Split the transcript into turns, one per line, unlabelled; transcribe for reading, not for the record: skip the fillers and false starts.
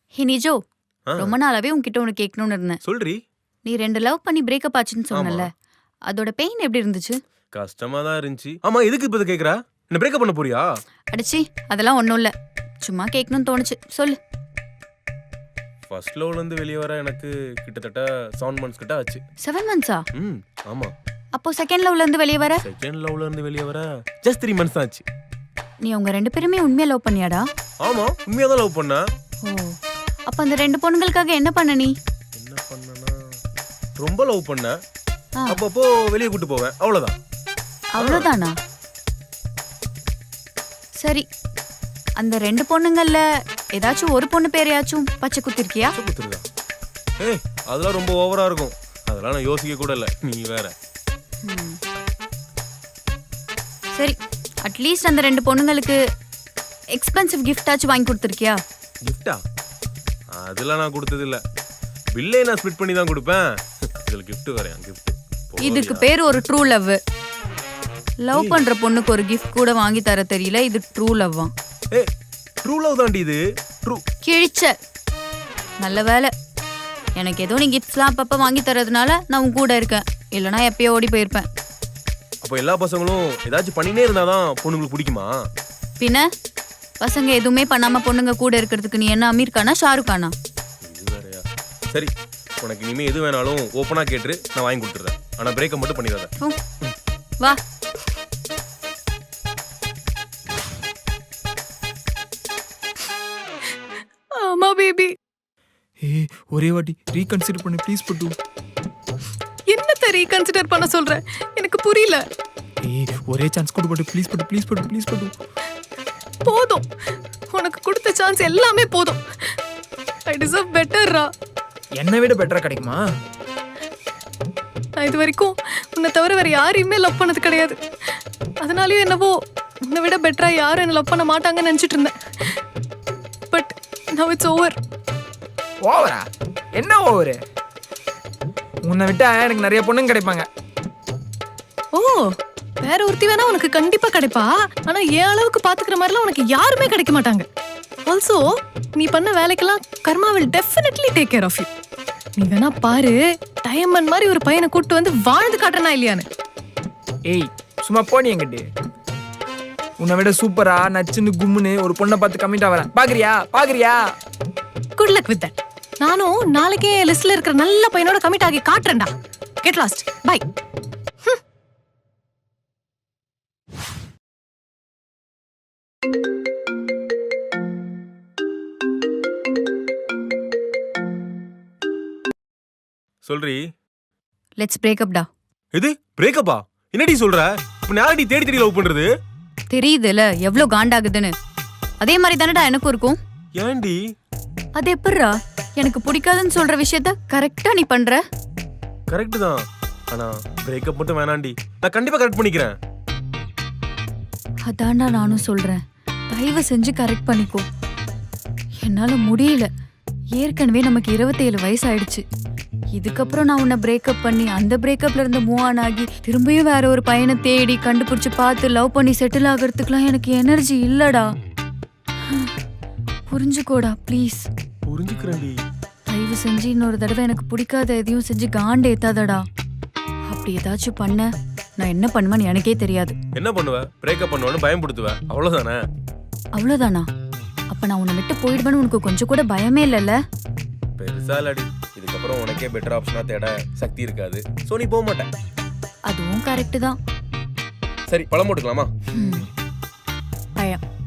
ஹே நிஜோ,
ஆ,
ரொம்ப நாளாவே உன்கிட்ட ஒன்று கேட்கணும்னு இருந்தேன்.
சொல்றி.
நீ 2 லவ் பண்ணி பிரேக்கப் ஆச்சுன்னு
ஆமா,
சொன்னல, அதோட பெயின் எப்படி இருந்துச்சு?
கஷ்டமா தான் இருந்துச்சு. ஆமா, எதுக்கு இப்ப இதை கேக்குறா? என்ன பிரேக்கப் பண்ண போறியா?
அடிச்சி, அதெல்லாம் ஒன்றும் இல்லை. சும்மா கேட்கணும்னு தோணுச்சு, சொல்லு.
ஃபர்ஸ்ட் லவ்ல இருந்து வெளியே வர எனக்கு கிட்டத்தட்ட 7 months கிட்ட ஆச்சு.
7 monthsா?
ம், ஆமா.
அப்போ செகண்ட் லவ்ல இருந்து வெளியே வர?
செகண்ட் லவ்ல இருந்து வெளியே வர ஜஸ்ட் 3 months தான் ஆச்சு.
நீ அவங்க 2 பேருமே உண்மையா லவ் பண்ணியாடா?
ஆமா, உண்மையா தான் லவ் பண்ண.
ஓ, அப்போ அந்த 2 பொண்ணுங்களுக்காக என்ன பண்ண நீ?
என்ன பண்ணனா, ரொம்ப லவ் பண்ண.
ஆ,
அப்பப்போ வெளியே கூட்டு போவேன், அவ்வளவுதான்.
அவ்வளோதானா? சரி, அந்த 2 பொண்ணுங்கள்ல ஏதாச்சும் ஒரு பொண்ணு பேரையாச்சும் பச்சை குத்திருக்கியா?
குத்துருதா? ஏய், அதெல்லாம் ரொம்ப ஓவரா இருக்கும். அதெல்லாம் நான் யோசிக்க கூட இல்ல, நீ வேற.
ம். சரி, அட்லீஸ்ட் அந்த 2 பொண்ணுங்களுக்கு எக்ஸ்பென்சிவ் கிஃப்டாச்சும் வாங்கி கொடுத்துருக்கியா?
கிஃப்டா? அதெல்லாம் நான் கொடுத்தது இல்ல. பில்லே நான் ஸ்பிட் பண்ணி தான் கொடுப்பேன். இதுல gift வேறயா? gift
இதுக்கு பேர் ஒரு ட்ரூ லவ். லவ் பண்ற பொண்ணுக்கு ஒரு கிஃப்ட் கூட வாங்கி தர தெரியல, இது ட்ரூ லவ்வா?
ஏய், ட்ரூ லவ் தாண்டி இது. ட்ரூ.
கிழிச்ச. நல்ல வேலை, எனக்கு ஏதோ நீ கிஃப்ட்ஸ்லாம் அப்பப்போ வாங்கி தரதுனால நான் உன் கூட இருக்கேன், இல்லைனா எப்பயோ ஓடி போயிருப்பேன்.
அப்போ எல்லா பசங்களும் ஏதாச்சும் பண்ணினே இருந்தாதான் பொண்ணுங்களுக்கு பிடிக்குமா?
பின்ன பசங்க எதுவுமே பண்ணாம பொண்ணுங்க கூட இருக்கிறதுக்கு நீ என்ன அமீர் கானா ஷாருக் கானா?
இது வேறயா? சரி, உனக்கு இனிமே எது வேணாலும் ஓப்பனா கேட்டு நான் வாங்கி கொடுத்துறேன். ஆனா பிரேக்கப் மட்டும் பண்ணிடாத.
ஹம், வா. ஆமா பேபி.
ஏய் ஒரே வாட்டி ரீகன்சிடர் பண்ணு ப்ளீஸ் பட்டு.
என்னத்த ரீகன்சிடர் பண்ண சொல்ற? எனக்கு புரியல.
ஏய் ஒரே சான்ஸ் கொடு பட்டு ப்ளீஸ் பட்டு ப்ளீஸ் பட்டு ப்ளீஸ் பட்டு.
போதும், உனக்கு கொடுத்த சான்ஸ் எல்லாமே போதும். ஐ டிசர்வ் பெட்டர்ரா.
என்னை விட பெட்டரா கிடைக்குமா?
நான் இது வரைக்கும் உன்னை தவிர வேற யாரையுமே லவ் பண்ணது கிடையாது. அதனாலயும் என்னவோ உன்னை விட பெட்டரா யாரும் என்ன லவ் பண்ண மாட்டாங்கன்னு நினைச்சிட்டு இருந்தேன். But now it's over.
ஓவரா? என்ன ஓவரு? உன்னை விட்டா எனக்கு நிறைய பொண்ணுங்க கிடைப்பாங்க.
ஓ, வேற ஒருத்தி வேணா உனக்கு கண்டிப்பா கிடைப்பா. ஆனா என் அளவுக்கு பாத்துக்கிற மாதிரிலாம் உனக்கு யாருமே கிடைக்க மாட்டாங்க. ஆல்சோ நீ பண்ண வேலைக்கெல்லாம் கர்மா will definitely take care of you. நீ வேணா பாரு, டைமண்ட் மாதிரி ஒரு பையனை கூட்டு வந்து வாழ்ந்து காட்டுறனா இல்லையான்னு.
ஏய் சும்மா போனி என்கிட்ட. உன்னை விட சூப்பரா நச்சுன்னு கும்முன்னு ஒரு பொண்ணை பார்த்து கம்மிட்டா வரேன். பாக்குறியா பாக்குறியா?
Good luck with that. நானும் நாளைக்கே லிஸ்ட்ல இருக்கிற நல்ல பையனோட கமிட் ஆகி காட்டுறேன்டா. Get lost. பை.
சொல்றி.
லெட்ஸ் பிரேக்கப் டா.
இது பிரேக்கப்பா? என்னடி சொல்ற? இப்ப யாரடி தேடி தேடி லவ் பண்றது?
தெரியுதுல எவ்வளோ காண்டாகுதுன்னு. அதே மாதிரி தானடா எனக்கும் இருக்கும்.
ஏன்டி?
அது எப்படிரா எனக்கு பிடிக்காதுன்னு சொல்ற விஷயத்த கரெக்டா நீ பண்ற?
கரெக்ட் தான். ஆனா பிரேக்கப் மட்டும் வேணாண்டி. நான் கண்டிப்பா கரெக்ட் பண்ணிக்கிறேன்.
அதான்டா நானும் சொல்றேன், தயவு செஞ்சு கரெக்ட் பண்ணிக்கோ. என்னால முடியல. ஏற்கனவே நமக்கு 27 வயசு ஆயிடுச்சு. இதுக்கப்புறம் நான் உன்னை பிரேக்கப் பண்ணி அந்த பிரேக்கப்ல இருந்து மூவ் ஆன் ஆகி திரும்பியும் வேற ஒரு பையனை தேடி கண்டுபிடிச்சு பார்த்து லவ் பண்ணி செட்டில் ஆகிறதுக்குலாம் எனக்கு எனர்ஜி இல்லடா. புரிஞ்சுக்கோடா ப்ளீஸ்.
புரிஞ்சுக்கிறேன்டி.
தயவு செஞ்சு இன்னொரு தடவை எனக்கு பிடிக்காத எதையும் செஞ்சு காண்டு ஏத்தாதடா. அப்படி ஏதாச்சும் பண்ண நான் என்ன பண்ணுவேன்னு எனக்கே தெரியாது.
என்ன பண்ணுவ? பிரேக்கப் பண்ணுவேன்னு பயன்படுத்துவேன், அவ்வளவுதானே?
அவ்வளோதானா? அப்ப நான் உன்னை விட்டு போயிடுவேன்னு உனக்கு கொஞ்சம் கூட பயமே இல்லைல்ல?
பெருசா இல்லடி. இதுக்கப்புறம் உனக்கே பெட்டர் ஆப்ஷனா தேட சக்தி இருக்காது. சோ நீ போக மாட்டேன்.
அதுவும் கரெக்டு தான்.
சரி, பழம் போட்டுக்கலாமா?
பழம்.